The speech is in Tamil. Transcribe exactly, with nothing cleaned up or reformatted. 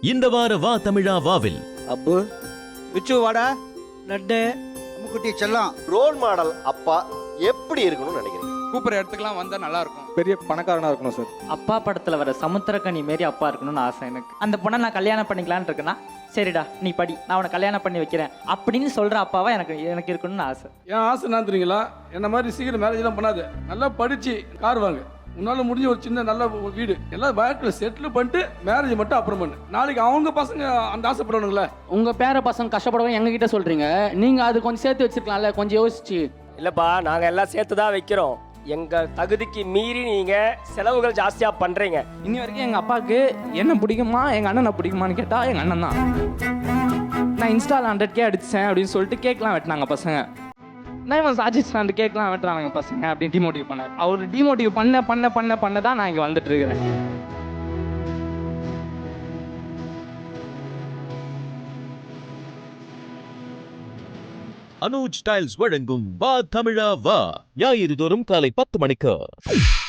இந்த வார வா தமிழா வாவில் அப்பு விச்சு வாடா லட்டு அம்முக்குட்டி செல்லம் ரோல் மாடல் அப்பா எப்படி இருக்கணும்னு நினைக்கிறீங்க? கூப்பிட்ற இடத்துக்குலாம் வந்தா நல்லா இருக்கும். பெரிய பணக்காரனா இருக்கணும் சார். அப்பா படத்துல வர சமுத்திரக்கனி மாரி அப்பா இருக்கணும்னு ஆசை எனக்கு. அந்த பொண்ணை நான் கல்யாணம் பண்ணிக்கலான்னு இருக்கேன்னா, சரிடா நீ படி, நான் உன்னை கல்யாணம் பண்ணி வைக்கிறேன் அப்படின்னு சொல்ற அப்பாவா எனக்கு எனக்கு இருக்கணும்னு ஆசை. என் ஆசை என்ன தெரியுங்களா, என்ன மாதிரி சீக்கிரம் மேரேஜ் எல்லாம் பண்ணாது, நல்லா படிச்சு கார் வாங்க, உன்னால முடிஞ்ச ஒரு சின்ன நல்ல வீடு எல்லாம் வாழ்க்கையில் செட்டில் பண்ணிட்டு மேரேஜ் மட்டும் அப்புறம் பண்ணு. நாளைக்கு அவங்க பசங்க அந்த ஆசைப்படுவானுங்களே. உங்க பேர பசங்க கஷ்டப்படுவோம் எங்க கிட்ட சொல்றீங்க, நீங்க அது கொஞ்சம் சேர்த்து வச்சிருக்கலாம்ல, கொஞ்சம் யோசிச்சு. இல்லப்பா, நாங்க எல்லாம் சேர்த்து தான் வைக்கிறோம். எங்க தகுதிக்கு மீறி நீங்க செலவுகள் ஜாஸ்தியா பண்றீங்க. இன்னி வரைக்கும் எங்க அப்பாவுக்கு என்ன பிடிக்குமா எங்க அண்ணனை பிடிக்குமான்னு கேட்டா எங்க அண்ணன் தான். நான் இன்ஸ்டால ஹண்ட்ரட் கே அடிச்சேன் அப்படின்னு சொல்லிட்டு கேக்லாம் வெட்டினாங்க பசங்க. நான் இவன் சாஜிஸ் ரெண்டு கேக்லாம் வெட்டுறாங்க பசங்க அப்படின்னு டிமோட்டிவ் பண்ணார். அவர் டிமோட்டிவ் பண்ண பண்ண பண்ண பண்ண தான் நான் இங்க வந்துட்டு இருக்கிறேன். அனுஜ் டைல்ஸ் வழங்கும் வா தமிழா வா ஞாயிறு தோறும் காலை பத்து மணிக்கு.